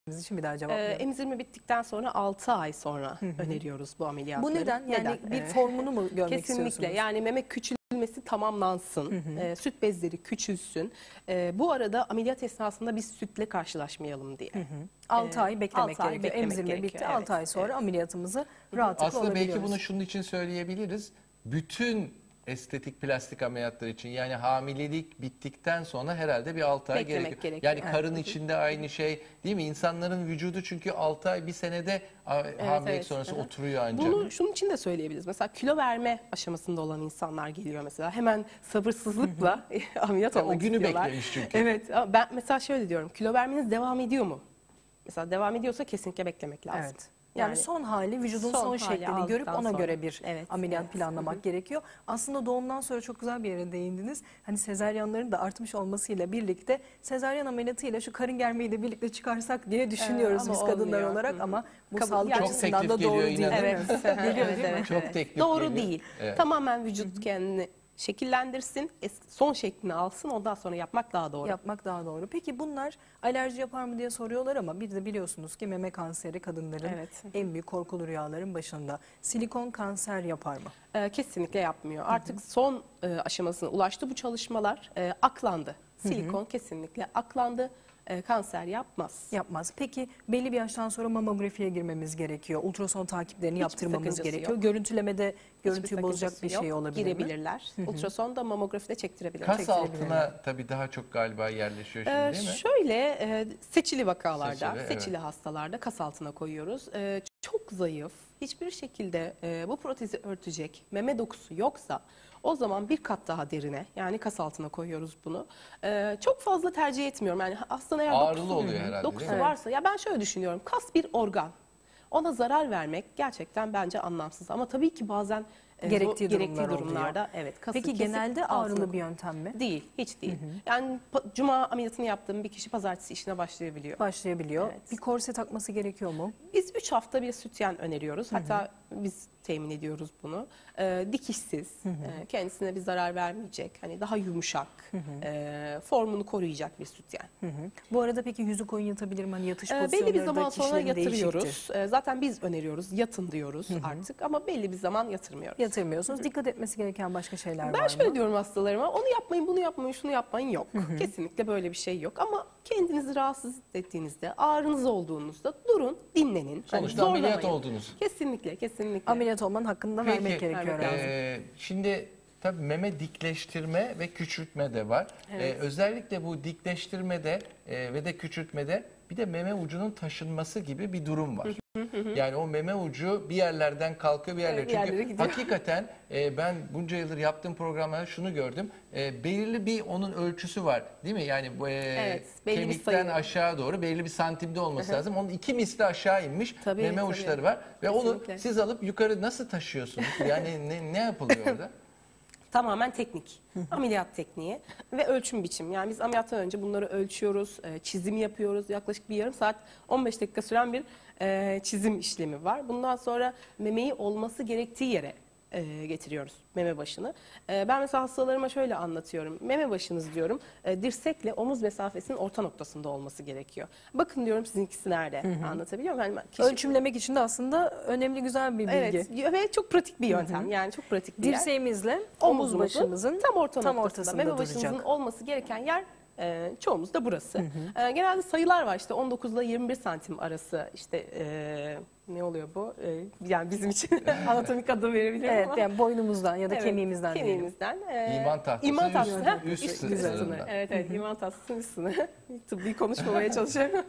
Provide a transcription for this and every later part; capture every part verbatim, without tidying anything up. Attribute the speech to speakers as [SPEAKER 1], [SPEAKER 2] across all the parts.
[SPEAKER 1] için bir daha
[SPEAKER 2] Ee,
[SPEAKER 1] cevaplayalım.
[SPEAKER 2] emzirme bittikten sonra altı ay sonra hı hı. öneriyoruz bu ameliyatları.
[SPEAKER 1] Bu neden? Yani
[SPEAKER 2] neden?
[SPEAKER 1] bir formunu mu görmek
[SPEAKER 2] Kesinlikle.
[SPEAKER 1] istiyorsunuz?
[SPEAKER 2] Yani meme küçülmesi tamamlansın. Hı hı. E, süt bezleri küçülsün. E, bu arada ameliyat esnasında biz sütle karşılaşmayalım diye.
[SPEAKER 1] altı
[SPEAKER 2] e,
[SPEAKER 1] ay beklemek
[SPEAKER 2] altı ay
[SPEAKER 1] gerekiyor.
[SPEAKER 2] beklemek
[SPEAKER 1] Emzirme
[SPEAKER 2] gerekiyor.
[SPEAKER 1] bitti.
[SPEAKER 2] Evet,
[SPEAKER 1] altı ay sonra
[SPEAKER 2] evet.
[SPEAKER 1] ameliyatımızı rahatlıkla
[SPEAKER 3] Aslında
[SPEAKER 1] olabiliyoruz.
[SPEAKER 3] belki bunu şunun için söyleyebiliriz. Bütün estetik plastik ameliyatlar için, yani hamilelik bittikten sonra herhalde bir altı ay
[SPEAKER 2] Beklemek
[SPEAKER 3] gerekiyor.
[SPEAKER 2] gerekiyor.
[SPEAKER 3] Yani
[SPEAKER 2] Evet.
[SPEAKER 3] karın içinde aynı şey değil mi? İnsanların vücudu çünkü altı ay bir senede evet, hamilelik
[SPEAKER 2] evet.
[SPEAKER 3] sonrası
[SPEAKER 2] Hı-hı.
[SPEAKER 3] oturuyor ancak.
[SPEAKER 2] Bunu şunun için de söyleyebiliriz. Mesela kilo verme aşamasında olan insanlar geliyor mesela. Hemen sabırsızlıkla ameliyat
[SPEAKER 3] Ya,
[SPEAKER 2] olmak
[SPEAKER 3] o günü
[SPEAKER 2] istiyorlar.
[SPEAKER 3] beklemiş çünkü.
[SPEAKER 2] Evet. Ama ben mesela şöyle diyorum. Kilo vermeniz devam ediyor mu? Mesela devam ediyorsa kesinlikle beklemek lazım.
[SPEAKER 1] Evet. Yani, yani son hali, vücudun son, son şeklini görüp ona
[SPEAKER 2] sonra.
[SPEAKER 1] göre bir
[SPEAKER 2] evet,
[SPEAKER 1] ameliyat
[SPEAKER 2] evet.
[SPEAKER 1] planlamak Hı-hı. gerekiyor. Aslında doğumdan sonra çok güzel bir yere değindiniz. Hani sezaryenlerin de artmış olmasıyla birlikte sezaryen ameliyatıyla şu karın germeyi de birlikte çıkarsak diye düşünüyoruz ee, biz kadınlar olmuyor. olarak Hı-hı. ama bu
[SPEAKER 2] Kabul,
[SPEAKER 1] sağlık
[SPEAKER 2] yani
[SPEAKER 1] açısından da doğru değil.
[SPEAKER 2] Evet.
[SPEAKER 1] Geliyor
[SPEAKER 2] evet,
[SPEAKER 1] değil mi?
[SPEAKER 2] evet,
[SPEAKER 3] Çok
[SPEAKER 2] evet.
[SPEAKER 3] teklif
[SPEAKER 2] Doğru
[SPEAKER 3] geliyor.
[SPEAKER 2] değil.
[SPEAKER 3] Evet.
[SPEAKER 2] Tamamen vücut kendini şekillendirsin, son şeklini alsın, ondan sonra yapmak daha doğru.
[SPEAKER 1] Yapmak daha doğru. Peki bunlar alerji yapar mı diye soruyorlar ama bir de biliyorsunuz ki meme kanseri kadınların evet. en büyük korkulu rüyaların başında. Silikon kanser yapar mı?
[SPEAKER 2] Ee, kesinlikle yapmıyor. Artık hı hı. son e, aşamasına ulaştı bu çalışmalar, e, aklandı. Silikon hı hı. kesinlikle aklandı. Kanser yapmaz.
[SPEAKER 1] Yapmaz. Peki belli bir yaştan sonra mamografiye girmemiz gerekiyor. Ultrason takiplerini Hiçbir yaptırmamız gerekiyor. Yok. Görüntülemede görüntüyü bozacak bir şey yok. olabilir
[SPEAKER 2] Girebilirler.
[SPEAKER 1] mi?
[SPEAKER 2] Ultrason da mamografide çektirebilirler.
[SPEAKER 3] Kas
[SPEAKER 2] çektirebilirler.
[SPEAKER 3] altına tabii daha çok galiba yerleşiyor şimdi
[SPEAKER 2] ee,
[SPEAKER 3] değil mi?
[SPEAKER 2] Şöyle e, seçili vakalarda,
[SPEAKER 3] seçili,
[SPEAKER 2] seçili
[SPEAKER 3] evet.
[SPEAKER 2] hastalarda kas altına koyuyoruz. E, çok zayıf, hiçbir şekilde e, bu protezi örtecek meme dokusu yoksa o zaman bir kat daha derine, yani kas altına koyuyoruz bunu. Ee, çok fazla tercih etmiyorum. Yani hastanın eğer
[SPEAKER 3] Ağrılı
[SPEAKER 2] dokusu,
[SPEAKER 3] oluyor herhalde,
[SPEAKER 2] dokusu
[SPEAKER 3] değil mi?
[SPEAKER 2] varsa, ya ben şöyle düşünüyorum. Kas bir organ. Ona zarar vermek gerçekten bence anlamsız. Ama tabii ki bazen e,
[SPEAKER 1] gerektiği,
[SPEAKER 2] gerektiği
[SPEAKER 1] durumlar
[SPEAKER 2] durumlarda
[SPEAKER 1] oluyor.
[SPEAKER 2] evet. Kası
[SPEAKER 1] Peki genelde ağrılı bir yöntem mi?
[SPEAKER 2] Değil, hiç değil. Hı hı. Yani cuma ameliyatını yaptığım bir kişi pazartesi işine başlayabiliyor.
[SPEAKER 1] Başlayabiliyor.
[SPEAKER 2] Evet.
[SPEAKER 1] Bir korse takması gerekiyor mu?
[SPEAKER 2] Biz üç hafta bir sütyen öneriyoruz. Hatta hı hı. biz temin ediyoruz bunu. Ee, dikişsiz, hı hı. E, kendisine bir zarar vermeyecek, hani daha yumuşak, hı hı. E, formunu koruyacak bir sütyen.
[SPEAKER 1] Hı hı. Bu arada peki yüzü koyun yatabilir mi? Hani yatış
[SPEAKER 2] ee,
[SPEAKER 1] pozisyonları
[SPEAKER 2] belli bir zaman sonra yatırıyoruz.
[SPEAKER 1] Değişiktir.
[SPEAKER 2] Ee, zaten biz öneriyoruz, yatın diyoruz hı hı. artık ama belli bir zaman yatırmıyoruz.
[SPEAKER 1] Yatırmıyorsunuz. Hı hı. Dikkat etmesi gereken başka şeyler
[SPEAKER 2] ben
[SPEAKER 1] var mı?
[SPEAKER 2] Ben şöyle diyorum hastalarıma, onu yapmayın, bunu yapmayın, şunu yapmayın yok. Hı hı. Kesinlikle böyle bir şey yok ama kendinizi rahatsız ettiğinizde, ağrınız olduğunuzda durun, dinlenin.
[SPEAKER 3] Sonuçta
[SPEAKER 2] hani
[SPEAKER 3] ameliyat oldunuz.
[SPEAKER 2] Kesinlikle, kesinlikle.
[SPEAKER 1] Ameliyat olmanın hakkında
[SPEAKER 3] Peki,
[SPEAKER 1] vermek gerekiyor herhalde.
[SPEAKER 3] E, şimdi tabii meme dikleştirme ve küçültme de var. Evet. Ee, özellikle bu dikleştirmede e, ve de küçültmede bir de meme ucunun taşınması gibi bir durum var. Yani o meme ucu bir yerlerden kalkıyor bir yerlere.
[SPEAKER 2] Evet,
[SPEAKER 3] Çünkü hakikaten e, ben bunca yıldır yaptığım programlarda şunu gördüm. E, belirli bir onun ölçüsü var değil mi? Yani bu e,
[SPEAKER 2] evet,
[SPEAKER 3] kemikten aşağı doğru belli bir santimde olması lazım. Onun iki misli aşağı inmiş tabii, meme tabii. uçları var. Ve Kesinlikle. onu siz alıp yukarı nasıl taşıyorsunuz? Yani ne, ne yapılıyor orada?
[SPEAKER 2] Tamamen teknik, ameliyat tekniği ve ölçüm biçim. Yani biz ameliyattan önce bunları ölçüyoruz, çizim yapıyoruz. Yaklaşık bir yarım saat, on beş dakika süren bir çizim işlemi var. Bundan sonra memeyi olması gerektiği yere getiriyoruz, meme başını. Ben mesela hastalarıma şöyle anlatıyorum. Meme başınız diyorum, dirsekle omuz mesafesinin orta noktasında olması gerekiyor. Bakın diyorum sizinkisi nerede? Hı hı. Anlatabiliyor muyum? Yani
[SPEAKER 1] kişi... Ölçümlemek için de aslında önemli, güzel bir bilgi.
[SPEAKER 2] Evet ve çok pratik bir yöntem. Hı hı. Yani çok pratik bir yer.
[SPEAKER 1] Dirseğimizle omuz başımızın
[SPEAKER 2] tam, orta
[SPEAKER 1] tam
[SPEAKER 2] ortasında. Meme başımızın
[SPEAKER 1] duracak.
[SPEAKER 2] olması gereken yer e, çoğumuz da burası. Hı hı. E, genelde sayılar var işte on dokuz ile yirmi bir santim arası işte e, ne oluyor bu? Ee, yani bizim için anatomik adı verebilirim
[SPEAKER 1] evet,
[SPEAKER 2] ama.
[SPEAKER 1] yani boynumuzdan ya da evet, kemiğimizden
[SPEAKER 2] kemiğimizden. E,
[SPEAKER 3] iman tahtası.
[SPEAKER 2] İman tahtası.
[SPEAKER 3] Üst, üst,
[SPEAKER 2] üst, üst sınır. Evet, evet. İman tahtasının üst sınırı. Tıbbi konuşmamaya çalışıyorum.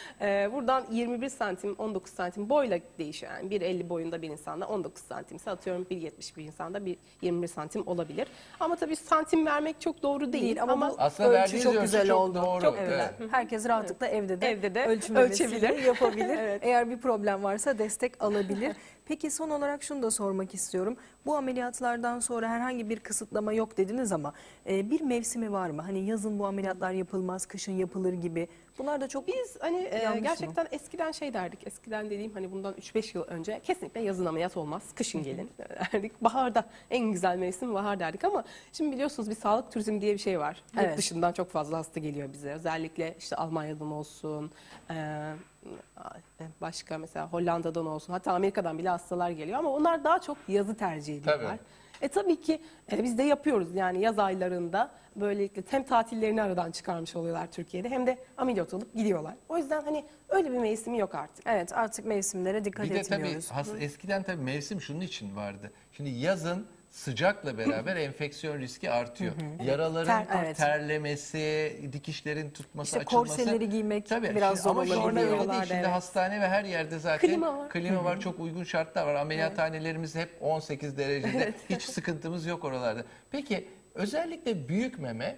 [SPEAKER 2] e, buradan yirmi bir santim, on dokuz santim boyla değişiyor. Yani bir elli boyunda bir insanda on dokuz santimse atıyorum bir yetmiş bir insanda bir yirmi bir santim olabilir. Ama tabii santim vermek çok doğru değil. değil ama,
[SPEAKER 1] ama
[SPEAKER 3] aslında
[SPEAKER 1] ölçü çok güzel
[SPEAKER 3] çok
[SPEAKER 1] oldu.
[SPEAKER 3] Doğru.
[SPEAKER 1] Çok güzel. Evet. Herkes rahatlıkla evet. evde de,
[SPEAKER 2] evde de
[SPEAKER 1] ölçümlemesini yapabilir.
[SPEAKER 2] Evet.
[SPEAKER 1] Eğer bir problem varsa destek alabilir. Peki son olarak şunu da sormak istiyorum. Bu ameliyatlardan sonra herhangi bir kısıtlama yok dediniz ama e, bir mevsimi var mı? Hani yazın bu ameliyatlar yapılmaz, kışın yapılır gibi. Bunlar da çok
[SPEAKER 2] Biz hani e, gerçekten
[SPEAKER 1] mı?
[SPEAKER 2] eskiden şey derdik. Eskiden dediğim hani bundan üç beş yıl önce kesinlikle yazın ameliyat olmaz. Kışın gelin derdik. Baharda en güzel mevsim bahar derdik ama şimdi biliyorsunuz bir sağlık turizmi diye bir şey var. Evet. Yurt dışından çok fazla hasta geliyor bize. Özellikle işte Almanya'dan olsun, e, başka mesela Hollanda'dan olsun, hatta Amerika'dan bile hastalar geliyor ama onlar daha çok yazı tercih ediyorlar.
[SPEAKER 3] Tabii.
[SPEAKER 2] E tabii ki e, biz de yapıyoruz yani yaz aylarında böylelikle hem tatillerini aradan çıkarmış oluyorlar Türkiye'de hem de ameliyat olup gidiyorlar. O yüzden hani öyle bir mevsimi yok artık.
[SPEAKER 1] Evet, artık mevsimlere dikkat
[SPEAKER 3] Bir de tabii
[SPEAKER 1] etmiyoruz.
[SPEAKER 3] has- eskiden tabii mevsim şunun için vardı. Şimdi yazın sıcakla beraber enfeksiyon riski artıyor. Yaraların
[SPEAKER 2] Ter-
[SPEAKER 1] evet.
[SPEAKER 3] terlemesi, dikişlerin tutması,
[SPEAKER 1] İşte
[SPEAKER 3] açılması.
[SPEAKER 1] korseleri giymek
[SPEAKER 3] Tabii.
[SPEAKER 1] biraz
[SPEAKER 3] Şimdi
[SPEAKER 1] zor
[SPEAKER 3] ama şu anda
[SPEAKER 1] olabiliyor.
[SPEAKER 3] öyle değil. Şimdi
[SPEAKER 2] Evet.
[SPEAKER 3] hastane ve her yerde zaten
[SPEAKER 2] Klima var.
[SPEAKER 3] klima var. Çok uygun şartlar var. Ameliyathanelerimiz hep on sekiz derecede. Hiç sıkıntımız yok oralarda. Peki özellikle büyük meme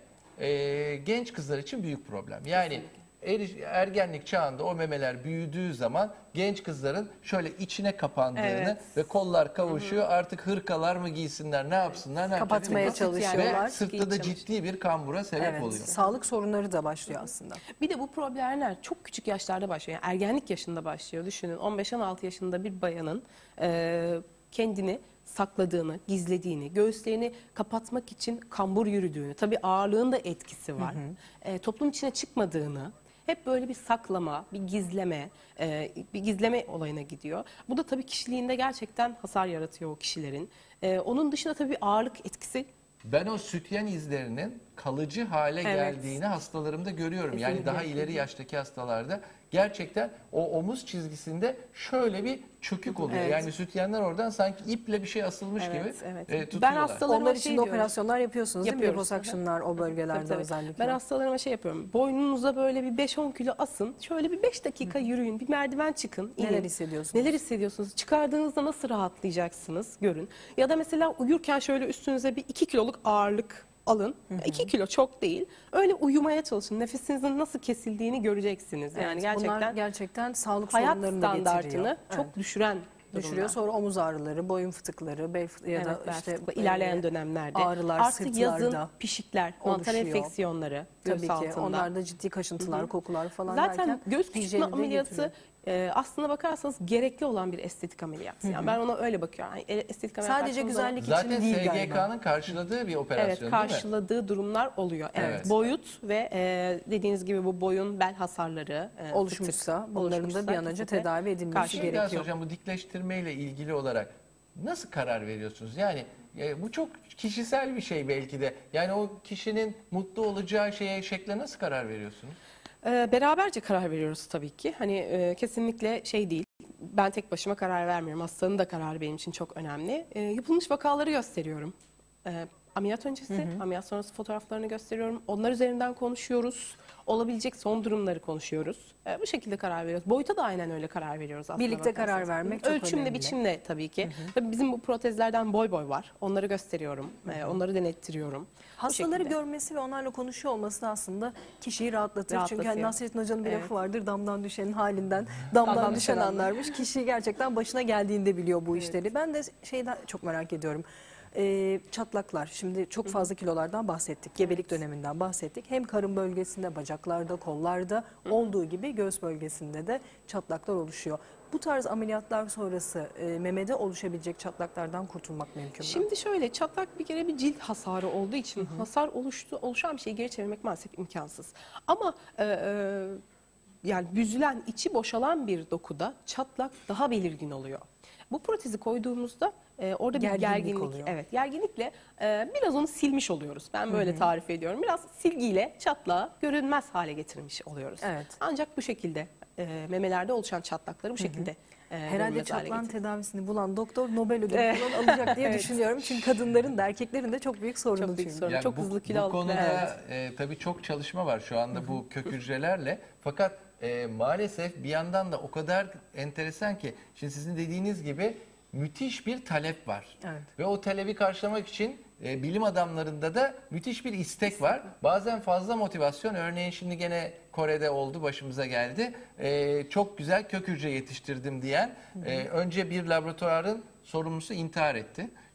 [SPEAKER 3] e, genç kızlar için büyük problem. Yani eri- ergenlik çağında o memeler büyüdüğü zaman genç kızların şöyle içine kapandığını
[SPEAKER 2] Evet.
[SPEAKER 3] ve kollar kavuşuyor. Artık hırkalar mı giysinler, ne yapsınlar, ne
[SPEAKER 1] Kapatmaya
[SPEAKER 3] yapacaklar?
[SPEAKER 1] çalışıyorlar.
[SPEAKER 3] Ve sırtta da
[SPEAKER 2] Giy
[SPEAKER 3] ciddi bir kambura sebep
[SPEAKER 1] Evet,
[SPEAKER 3] oluyor.
[SPEAKER 1] sağlık sorunları da başlıyor aslında.
[SPEAKER 2] Bir de bu problemler çok küçük yaşlarda başlıyor. Yani ergenlik yaşında başlıyor. Düşünün on beş on altı yaşında bir bayanın e, kendini sakladığını, gizlediğini, göğüslerini kapatmak için kambur yürüdüğünü, tabii ağırlığın da etkisi var. E, toplum içine çıkmadığını, hep böyle bir saklama, bir gizleme, e, bir gizleme olayına gidiyor. Bu da tabii kişiliğinde gerçekten hasar yaratıyor o kişilerin. E, onun dışında tabii ağırlık etkisi.
[SPEAKER 3] Ben o sütyen izlerinin kalıcı hale
[SPEAKER 2] Evet.
[SPEAKER 3] geldiğini hastalarımda görüyorum. Yani
[SPEAKER 2] Kesinlikle.
[SPEAKER 3] daha ileri yaştaki hastalarda gerçekten o omuz çizgisinde şöyle bir çökük oluyor.
[SPEAKER 1] Evet.
[SPEAKER 3] Yani sütyenler oradan sanki iple bir şey asılmış
[SPEAKER 2] Evet,
[SPEAKER 3] gibi
[SPEAKER 2] evet.
[SPEAKER 3] e,
[SPEAKER 2] Ben
[SPEAKER 3] tutuyorlar.
[SPEAKER 2] hastalarıma
[SPEAKER 1] Onlar
[SPEAKER 2] şey
[SPEAKER 1] için de
[SPEAKER 2] diyorum.
[SPEAKER 1] operasyonlar yapıyorsunuz değil mi?
[SPEAKER 2] Yapıyoruz.
[SPEAKER 1] Liposuction'lar o bölgelerde
[SPEAKER 2] Tabii, tabii.
[SPEAKER 1] özellikle.
[SPEAKER 2] Ben hastalarıma şey yapıyorum. Boynunuza böyle bir beş on kilo asın. Şöyle bir beş dakika yürüyün. Bir merdiven çıkın. inin.
[SPEAKER 1] Neler hissediyorsunuz?
[SPEAKER 2] Neler hissediyorsunuz? Çıkardığınızda nasıl rahatlayacaksınız? Görün. Ya da mesela uyurken şöyle üstünüze bir iki kiloluk ağırlık alın. iki kilo çok değil. Öyle uyumaya çalışın. Nefesinizin nasıl kesildiğini göreceksiniz. Yani
[SPEAKER 1] Evet,
[SPEAKER 2] gerçekten
[SPEAKER 1] bunlar gerçekten sağlık
[SPEAKER 2] hayat
[SPEAKER 1] sorunlarını da
[SPEAKER 2] standartını
[SPEAKER 1] getiriyor.
[SPEAKER 2] çok
[SPEAKER 1] Evet.
[SPEAKER 2] düşüren
[SPEAKER 1] düşürüyor.
[SPEAKER 2] durumlar.
[SPEAKER 1] Sonra omuz ağrıları, boyun fıtıkları, bel fıtığı ya
[SPEAKER 2] Evet,
[SPEAKER 1] da
[SPEAKER 2] bel
[SPEAKER 1] işte
[SPEAKER 2] fıtığı, ilerleyen
[SPEAKER 1] e,
[SPEAKER 2] dönemlerde
[SPEAKER 1] ağrılar
[SPEAKER 2] artı
[SPEAKER 1] sırtlarda
[SPEAKER 2] yazın pişikler, mantar
[SPEAKER 1] oluşuyor.
[SPEAKER 2] enfeksiyonları göğüs
[SPEAKER 1] Tabii ki
[SPEAKER 2] altında.
[SPEAKER 1] onlarda ciddi kaşıntılar, kokular falan
[SPEAKER 2] Zaten
[SPEAKER 1] derken
[SPEAKER 2] göğüs küçültme
[SPEAKER 1] hijyeni de
[SPEAKER 2] ameliyatı
[SPEAKER 1] getiriyor.
[SPEAKER 2] e, aslına bakarsanız gerekli olan bir estetik ameliyat. Yani ben ona öyle bakıyorum. Yani e- estetik ameliyat
[SPEAKER 1] Sadece
[SPEAKER 2] baktığımız zaman-
[SPEAKER 1] güzellik
[SPEAKER 3] Zaten
[SPEAKER 1] için değil
[SPEAKER 3] S G
[SPEAKER 1] galiba.
[SPEAKER 3] K'nın karşıladığı bir operasyon
[SPEAKER 2] Evet,
[SPEAKER 3] değil mi?
[SPEAKER 2] karşıladığı durumlar oluyor. Evet.
[SPEAKER 3] Evet.
[SPEAKER 2] Boyut ve e, dediğiniz gibi bu boyun bel hasarları e,
[SPEAKER 1] Oluşmuşsa
[SPEAKER 2] fıtık
[SPEAKER 1] bunların da
[SPEAKER 2] oluşmuşsa
[SPEAKER 1] bir an önce
[SPEAKER 2] kesinlikle
[SPEAKER 1] tedavi edilmesi
[SPEAKER 2] karşı-
[SPEAKER 3] Bir şey daha
[SPEAKER 1] gerekiyor.
[SPEAKER 3] soracağım. Bu dikleştirme ile ilgili olarak nasıl karar veriyorsunuz? Yani e, bu çok kişisel bir şey belki de. Yani o kişinin mutlu olacağı şeye, şekle nasıl karar veriyorsunuz?
[SPEAKER 2] Ee, beraberce karar veriyoruz tabii ki. Hani e, kesinlikle şey değil. Ben tek başıma karar vermiyorum. Hastanın da kararı benim için çok önemli. E, yapılmış vakaları gösteriyorum. E, ameliyat öncesi, ameliyat sonrası fotoğraflarını gösteriyorum. Onlar üzerinden konuşuyoruz. Olabilecek son durumları konuşuyoruz. E, bu şekilde karar veriyoruz. Boyuta da aynen öyle karar veriyoruz aslında.
[SPEAKER 1] Birlikte
[SPEAKER 2] bakarsanız.
[SPEAKER 1] karar vermek çok
[SPEAKER 2] Ölçümle,
[SPEAKER 1] önemli.
[SPEAKER 2] biçimle tabii ki. Tabii bizim bu protezlerden boy boy var. Onları gösteriyorum. E, onları denettiriyorum. Bu
[SPEAKER 1] Hastaları
[SPEAKER 2] şekilde.
[SPEAKER 1] görmesi ve onlarla konuşuyor olması da aslında kişiyi rahatlatır. Çünkü
[SPEAKER 2] Rahatlatıyor.
[SPEAKER 1] hani Nasrettin Hoca'nın bir
[SPEAKER 2] Evet.
[SPEAKER 1] lafı vardır. Damdan düşenin halinden damdan,
[SPEAKER 2] Damdan
[SPEAKER 1] düşen
[SPEAKER 2] düşen anlar.
[SPEAKER 1] anlarmış. Kişi gerçekten başına geldiğinde biliyor bu işleri. Ben de şeyden çok merak ediyorum. Ee, çatlaklar. Şimdi çok fazla kilolardan bahsettik. Gebelik döneminden bahsettik. Hem karın bölgesinde, bacaklarda, kollarda olduğu gibi göğüs bölgesinde de çatlaklar oluşuyor. Bu tarz ameliyatlar sonrası e, memede oluşabilecek çatlaklardan kurtulmak mümkün mü?
[SPEAKER 2] Şimdi şöyle, çatlak bir kere bir cilt hasarı olduğu için hasar oluştu oluşan bir şeyi geri çevirmek maalesef imkansız. Ama e, e, yani büzülen, içi boşalan bir dokuda çatlak daha belirgin oluyor. Bu protezi koyduğumuzda e, orada bir
[SPEAKER 1] Gerginlik
[SPEAKER 2] gerginlik,
[SPEAKER 1] oluyor.
[SPEAKER 2] evet, gerginlikle e, biraz onu silmiş oluyoruz. Ben böyle tarif ediyorum. Biraz silgiyle çatlağı görünmez hale getirmiş oluyoruz.
[SPEAKER 1] Evet.
[SPEAKER 2] Ancak bu şekilde e, memelerde oluşan çatlakları bu şekilde e,
[SPEAKER 1] Herhalde
[SPEAKER 2] görünmez hale
[SPEAKER 1] çatlağın
[SPEAKER 2] getiriyor.
[SPEAKER 1] tedavisini bulan doktor Nobel ödülü
[SPEAKER 2] Evet.
[SPEAKER 1] falan alacak diye
[SPEAKER 2] Evet.
[SPEAKER 1] düşünüyorum. Çünkü kadınların da erkeklerin de çok büyük sorunu
[SPEAKER 2] Çok büyük
[SPEAKER 1] çünkü.
[SPEAKER 2] sorun. çok
[SPEAKER 3] bu,
[SPEAKER 2] hızlı kilo
[SPEAKER 3] bu
[SPEAKER 2] alıp-
[SPEAKER 3] konuda e, tabii çok çalışma var şu anda bu kök hücrelerle. Fakat e, maalesef bir yandan da o kadar enteresan ki şimdi sizin dediğiniz gibi müthiş bir talep var.
[SPEAKER 1] Evet.
[SPEAKER 3] Ve o talebi karşılamak için e, bilim adamlarında da müthiş bir istek var. Bazen fazla motivasyon. Örneğin şimdi gene Kore'de oldu, başımıza geldi. E, çok güzel kök hücre yetiştirdim diyen e, önce bir laboratuvarın sorumlusu intihar etti.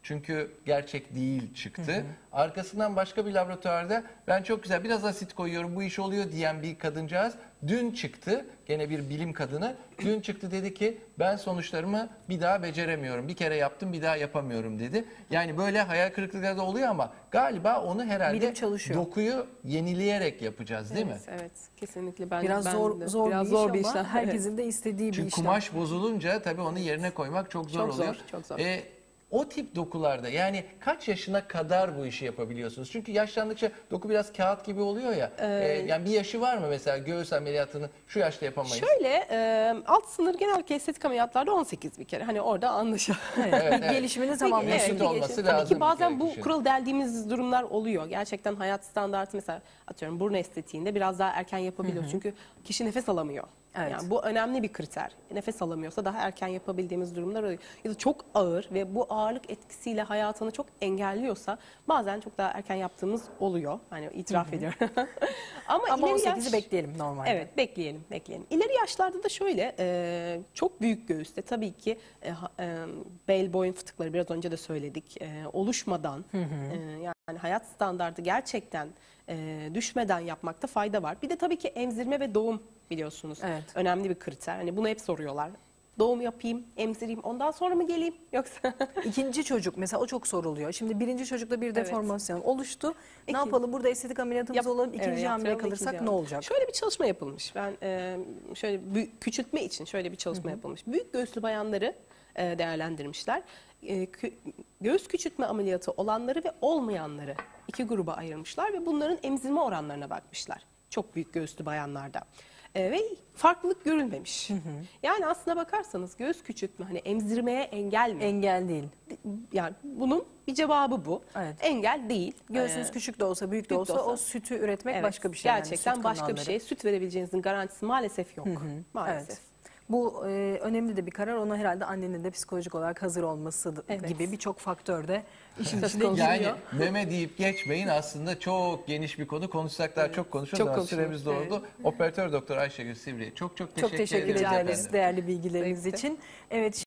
[SPEAKER 3] Çünkü gerçek değil çıktı. Arkasından başka bir laboratuvarda ben çok güzel biraz asit koyuyorum bu iş oluyor diyen bir kadıncağız dün çıktı. Gene bir bilim kadını dün çıktı dedi ki ben sonuçlarımı bir daha beceremiyorum. Bir kere yaptım bir daha yapamıyorum dedi. Yani böyle hayal kırıklıkları da oluyor ama galiba onu herhalde
[SPEAKER 1] Bilim çalışıyor.
[SPEAKER 3] dokuyu yenileyerek yapacağız değil
[SPEAKER 2] evet,
[SPEAKER 3] mi?
[SPEAKER 2] evet, kesinlikle. Ben,
[SPEAKER 1] Biraz
[SPEAKER 2] ben
[SPEAKER 1] zor
[SPEAKER 2] de-
[SPEAKER 1] zor
[SPEAKER 2] biraz
[SPEAKER 1] bir
[SPEAKER 2] zor
[SPEAKER 1] iş
[SPEAKER 2] bir
[SPEAKER 1] ama
[SPEAKER 2] işlem.
[SPEAKER 1] herkesin de istediği bir
[SPEAKER 3] Çünkü
[SPEAKER 1] işlem.
[SPEAKER 3] kumaş bozulunca tabii onu yerine koymak çok zor
[SPEAKER 2] Çok zor,
[SPEAKER 3] oluyor.
[SPEAKER 2] çok zor.
[SPEAKER 3] Ee, o tip dokularda yani kaç yaşına kadar bu işi yapabiliyorsunuz? Çünkü yaşlandıkça doku biraz kağıt gibi oluyor ya. Ee, yani bir yaşı var mı mesela göğüs ameliyatını şu yaşta yapamayız?
[SPEAKER 2] Şöyle e, alt sınır genellikle estetik ameliyatlarda on sekiz bir kere. Hani orada anlaşılıyor.
[SPEAKER 1] Evet,
[SPEAKER 3] Evet, evet.
[SPEAKER 1] Gelişimini tamamlasın.
[SPEAKER 3] Mesut
[SPEAKER 2] bir
[SPEAKER 3] olması
[SPEAKER 2] geçim.
[SPEAKER 3] lazım
[SPEAKER 2] Tabii ki
[SPEAKER 3] bir
[SPEAKER 2] bazen
[SPEAKER 3] kere
[SPEAKER 2] bu
[SPEAKER 3] kişinin.
[SPEAKER 2] kural deldiğimiz durumlar oluyor. Gerçekten hayat standartı mesela atıyorum burun estetiğinde biraz daha erken yapabiliyoruz. Çünkü kişi nefes alamıyor.
[SPEAKER 1] Evet.
[SPEAKER 2] Yani bu önemli bir kriter. Nefes alamıyorsa daha erken yapabildiğimiz durumlar oluyor. Ya da çok ağır ve bu ağırlık etkisiyle hayatını çok engelliyorsa bazen çok daha erken yaptığımız oluyor. Hani itiraf ediyorum. Ama,
[SPEAKER 1] Ama
[SPEAKER 2] ileri
[SPEAKER 1] on sekizi
[SPEAKER 2] yaş-
[SPEAKER 1] bekleyelim normalde.
[SPEAKER 2] Evet, bekleyelim, bekleyelim. İleri yaşlarda da şöyle, e, çok büyük göğüste tabii ki e, ha- e, bel boyun fıtıkları biraz önce de söyledik, e, oluşmadan, e, yani hayat standardı gerçekten e, düşmeden yapmakta fayda var. Bir de tabii ki emzirme ve doğum biliyorsunuz
[SPEAKER 1] Evet.
[SPEAKER 2] önemli bir kriter. Hani bunu hep soruyorlar. Doğum yapayım, emzireyim, ondan sonra mı geleyim yoksa?
[SPEAKER 1] İkinci çocuk mesela o çok soruluyor. Şimdi birinci çocukta bir
[SPEAKER 2] Evet.
[SPEAKER 1] deformasyon oluştu. Ne
[SPEAKER 2] İki-
[SPEAKER 1] yapalım burada estetik ameliyatımız
[SPEAKER 2] Yap-
[SPEAKER 1] olalım. İkinci
[SPEAKER 2] evet,
[SPEAKER 1] hamile
[SPEAKER 2] yaptıralım,
[SPEAKER 1] kalırsak
[SPEAKER 2] ikinci
[SPEAKER 1] ne
[SPEAKER 2] hamile.
[SPEAKER 1] olacak?
[SPEAKER 2] Şöyle bir çalışma yapılmış. Ben e, şöyle bü- küçültme için şöyle bir çalışma yapılmış. Büyük göğüslü bayanları e, değerlendirmişler. E, kü- göğüs küçültme ameliyatı olanları ve olmayanları iki gruba ayırmışlar ve bunların emzirme oranlarına bakmışlar. Çok büyük göğüslü bayanlarda. E, ve farklılık görülmemiş. Yani aslına bakarsanız göğüs küçültme hani emzirmeye engel mi?
[SPEAKER 1] Engel değil.
[SPEAKER 2] Yani bunun bir cevabı bu.
[SPEAKER 1] Evet.
[SPEAKER 2] Engel değil.
[SPEAKER 1] Göğsünüz
[SPEAKER 2] E,
[SPEAKER 1] küçük de olsa büyük de
[SPEAKER 2] büyük de
[SPEAKER 1] olsa,
[SPEAKER 2] olsa.
[SPEAKER 1] o sütü üretmek
[SPEAKER 2] Evet,
[SPEAKER 1] başka bir şey. yani,
[SPEAKER 2] Gerçekten
[SPEAKER 1] süt
[SPEAKER 2] başka bir
[SPEAKER 1] kanalları.
[SPEAKER 2] şey. Süt verebileceğinizin garantisi maalesef yok. Maalesef.
[SPEAKER 1] Evet. Bu e, önemli de bir karar. Ona herhalde annenin de psikolojik olarak hazır olması da-
[SPEAKER 2] Evet.
[SPEAKER 1] gibi birçok faktör de işin
[SPEAKER 2] Söz
[SPEAKER 1] içine
[SPEAKER 2] konusu.
[SPEAKER 1] giriyor.
[SPEAKER 3] Yani meme deyip geçmeyin aslında çok geniş bir konu. Konuşsak daha çok konuşuruz
[SPEAKER 2] Çok
[SPEAKER 3] ama
[SPEAKER 2] konuşuruz,
[SPEAKER 3] süremiz doldu. Operatör doktor Doktor Ayşegül Sivri'ye çok çok teşekkür,
[SPEAKER 1] Çok teşekkür
[SPEAKER 3] ederiz
[SPEAKER 1] ederiz
[SPEAKER 3] efendim.
[SPEAKER 1] değerli bilgileriniz
[SPEAKER 2] Zevkti.
[SPEAKER 1] için. Evet.